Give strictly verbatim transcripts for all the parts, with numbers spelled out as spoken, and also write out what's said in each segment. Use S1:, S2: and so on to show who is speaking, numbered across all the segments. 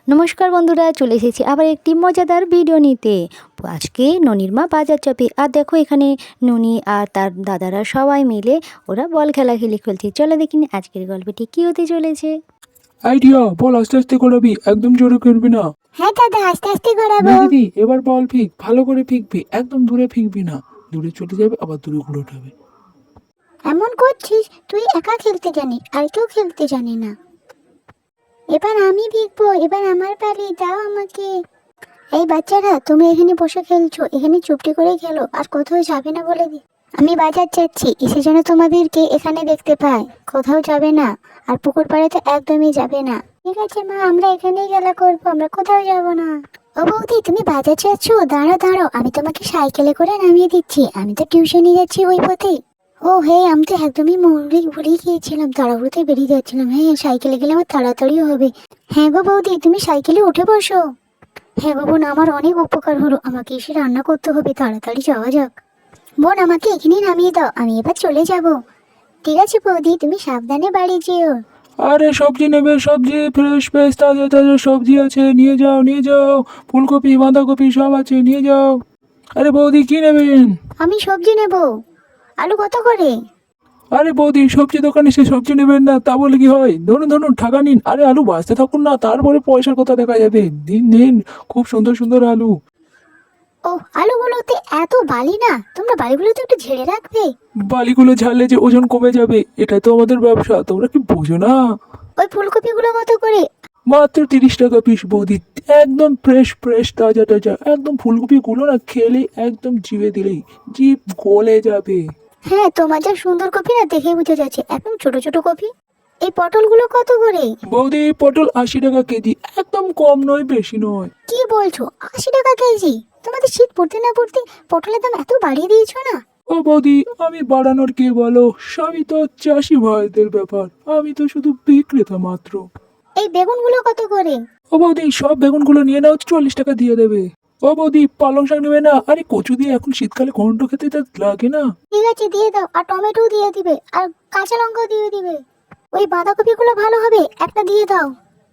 S1: নমস্কার বন্ধুরা, চলে এসেছি আবার একটি মজাদার ভিডিও নিতে। আজকে ননির মা বাজার যাবে, আর দেখো এখানে ননি আর তার দাদারা সবাই মিলে ওরা বল খেলাখেলি খেলছে। চলো দেখিনি আজকের গল্পটি কী হতে চলেছে।
S2: আইডিয়া, বল আস্তে আস্তে করাবি, একদম জোরে করবি না।
S3: হ্যাঁ দাদা, আস্তে আস্তে ঘোরাবো।
S2: না দিদি, এবার বল ফিক, ভালো করে ফিকবি, একদম দূরে ফিকবি না। দূরে চলে যাবে, আবার দূরে ঘুরে উঠাবে।
S3: এমন করছিস, তুই একা খেলতে জানিস, আর কেউ খেলতে জানে না। এবার আমি ভিগবো, এবার আমার পালি, দাও আমাকে। এই বাচ্চারা, তোমরা এখানে বসে খেলছো, এখানে চুপটি করে খেলো, আর কোথাও যাবে না বলে দি। আমি বাজার যাচ্ছি, এসে যেন তোমাদেরকে এখানে দেখতে পাই। কোথাও যাবে না, আর পুকুর পাড়ে তো একদমই যাবে না। ঠিক আছে মা, আমরা এখানেই খেলা করবো, আমরা কোথাও যাব না। ও বৌদি, তুমি বাজার যাচ্ছ? দাঁড়াও দাঁড়াও, আমি তোমাকে সাইকেলে করে নামিয়ে দিচ্ছি, আমি তো টিউশনে যাচ্ছি ওই পথে। ও হে, আমি তো একদমই মৌরি ভুলেই গিয়েছিলাম, তাড়াহুড়োতে বেরিয়ে যাচ্ছিলাম। হ্যাঁ, সাইকেলে গেলে আমার তাড়াতাড়িও হবে। হ্যাঁ গো বৌদি, তুমি সাইকেলে উঠে বসো। হ্যাঁ গো বোন, আমার অনেক উপকার হলো, আমাকে এসে রান্না করতে হবে, তাড়াতাড়ি যাওয়া যাক। বোন, আমাকে এখানেই নামিয়ে দাও, আমি এবার চলে যাব। ঠিক আছে বৌদি, তুমি সাবধানে বাড়ি যেও।
S2: আরে সবজি নেবে? সবজি ফ্রেশ ফ্রেশ তাজা তাজা সবজি আছে, নিয়ে যাও নিয়ে যাও। ফুলকপি বাঁধাকপি সব আছে, নিয়ে যাও। আরে বৌদি, কি নেবেন?
S3: আমি সবজি নেব। আলু কত করে?
S2: আরে বৌদি, সবজি দোকানে সে সবজি নেবেন না তা বলে কি হয়? ধরুন ধরুন, টাকা নিন। আরে আলু বাঁচতে থাকুন না, তারপরে পয়সার কথা দেখা যাবে। দিন দিন, খুব সুন্দর সুন্দর আলু।
S3: ও, আলুগুলোতে এত বালি না, তোমরা বালিগুলোতে একটু ঝেড়ে রাখবে।
S2: বালিগুলো ঝাড়লে যে ওজন কমে যাবে, এটাই তো আমাদের ব্যবসা, তোমরা কি বোঝো না?
S3: ওই ফুলকপিগুলো কত করে?
S2: মাত্র তিরিশ টাকা পিস বৌদি, একদম ফ্রেশ ফ্রেশ তাজা তাজা। একদম ফুলকপিগুলো না খেলে একদম জিভে দিলেই জিভ গলে যাবে।
S3: হ্যাঁ, তোমার যা সুন্দর কপি না, দেখে বোঝা যাচ্ছে একদম ছোট ছোট কপি। এই পটলগুলো কত করে?
S2: বৌদি, পটল আশি টাকা কেজি, একদম কম নয়, বেশি নয়।
S3: কি বলছো, আশি টাকা কেজি? তোমাদের শীত পড়তে না পড়তে পটলের দাম এত বাড়িয়ে দিয়েছো না?
S2: ও বৌদি, আমি বাড়ানোর কে বলো? সবই তো চাষি ভাইদের ব্যাপার, আমি তো শুধু বিক্রেতা মাত্র।
S3: এই বেগুনগুলো কত করে?
S2: ও বৌদি, সব বেগুনগুলো নিয়ে নাও, চল্লিশ টাকা দিয়ে দেবে। ও বৌদি, পালং শাক নেবে না? আরে কচু দিয়ে এখন শীতকালে ঘন্ট খেতে তো লাগে না।
S3: ঠিক আছে, দিয়ে দাও, আর টমেটো দিয়ে দিবে, আর কাঁচা লঙ্কা দিয়ে দিবে। ওই বাঁধাকপিগুলো ভালো হবে, একটা দিয়ে দাও।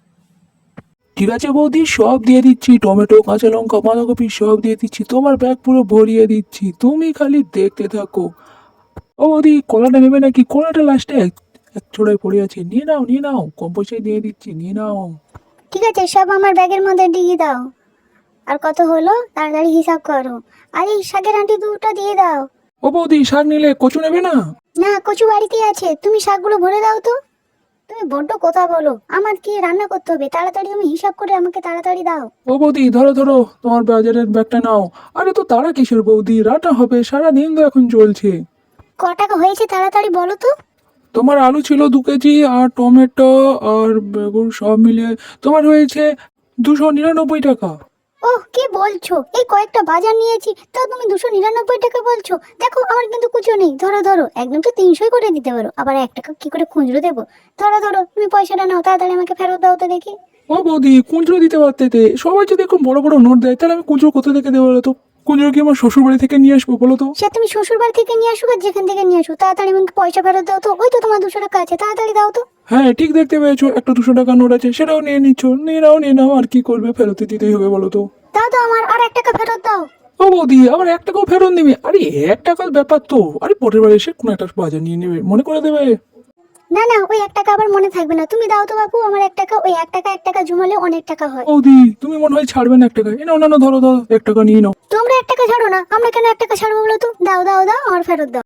S2: ঠিক আছে বৌদি, সব দিয়ে দিচ্ছি, টমেটো কাঁচা লঙ্কা বাঁধাকপি সব দিয়ে দিচ্ছি, তোমার ব্যাগ পুরো ভরিয়ে দিচ্ছি, তুমি খালি দেখতে থাকো। ও বৌদি, কলাটা নেবে নাকি? কলাটা লাস্টে এক এক ছোড়ায় পড়ে আছে, নিয়ে নাও নিয়ে নাও, কম পয়সায় দিয়ে দিচ্ছি, নিয়ে নাও।
S3: ঠিক আছে, সব আমার ব্যাগের মধ্যে দিয়ে দাও। আর কত হলো তাড়াতাড়ি হিসাব করো। আর এই শাকের আন্টি দুটো দিয়ে দাও।
S2: ও বৌদি, শাক নিলে কচু নেবে না?
S3: না, কচু বাড়িতেই আছে, তুমি শাকগুলো ভরে দাও তো। তুমি বড্ড কথা বলো, আমার কি রান্না করতে হবে, তাড়াতাড়ি তুমি হিসাব করে আমাকে তাড়াতাড়ি দাও।
S2: ও বৌদি, ধরো ধরো, তোমার বাজারের ব্যাগটা নাও। আরে তো তারা কিসের বৌদি, রাটা হবে, সারা দিন তো এখন চলছে।
S3: ক টাকা হয়েছে তাড়াতাড়ি বলো তো।
S2: তোমার আলু ছিল দু কেজি, আর টমেটো আর বেগুন সব মিলিয়ে তোমার হয়েছে দুশো নিরানব্বই টাকা।
S3: ওহ, কি বলছো, এই কয়েকটা বাজার নিয়েছি, তাও তুমি দুশো নিরানব্বই টাকা বলছো? দেখো, আমার কিন্তু কুচো নেই, ধরো ধরো, একদম তো তিনশোই করে দিতে পারো, আবার এক টাকা কি করে খুচরো দেবো? ধরো ধরো, তুমি পয়সাটা নাও, তাড়াতাড়ি আমাকে ফেরত দাও তো দেখি।
S2: ও বৌদি, খুচরো দিতে পারতে তে। সবাই যদি এখন বড় বড় নোট দেয়, তাহলে আমি খুচরো কোথা থেকে দেবো বলো তো? খুচরো কি আমার শ্বশুর বাড়ি থেকে নিয়ে আসবো বলো তো?
S3: সে তুমি শ্বশুর বাড়ি থেকে নিয়ে আসো আর যেখান থেকে নিয়ে আসো, তাড়াতাড়ি আমাকে পয়সা ফেরত দাও তো। ওই তো তোমার দুশো টাকা আছে, তাড়াতাড়ি দাও তো।
S2: হ্যাঁ, ঠিক দেখতে পেয়েছো, একটা দুশো টাকা নোট আছে, সেটাও নিয়ে নিচ্ছ। নিয়ে নাও নিয়ে নাও, আর কি করবে, ফেরত দিতেই হবে বলো তো?
S3: দাও তো, আমার আর এক টাকা ফেরত দাও।
S2: ও বৌদি, আবার এক টাকাও ফেরত নিবে? আরে এক টাকার ব্যাপার তো, আরে পরের বার এসে কোনো একটা বাজার নিয়ে নেবে, মনে করে দেবে।
S3: না না, ওই এক টাকা আবার মনে থাকবে না, তুমি দাও তো বাপু আমার এক টাকা। ওই এক টাকা এক টাকা জমালে অনেক টাকা হয়।
S2: বৌদি, তুমি মনে হয় ছাড়বে না এক টাকা। এ নাও না, ধরো ধরো, এক টাকা নিয়ে নাও।
S3: তোমরা এক টাকা ছাড়ো না, আমরা কেন এক টাকা ছাড়বো বলো তো? দাও দাও দাও, আমার ফেরত দাও।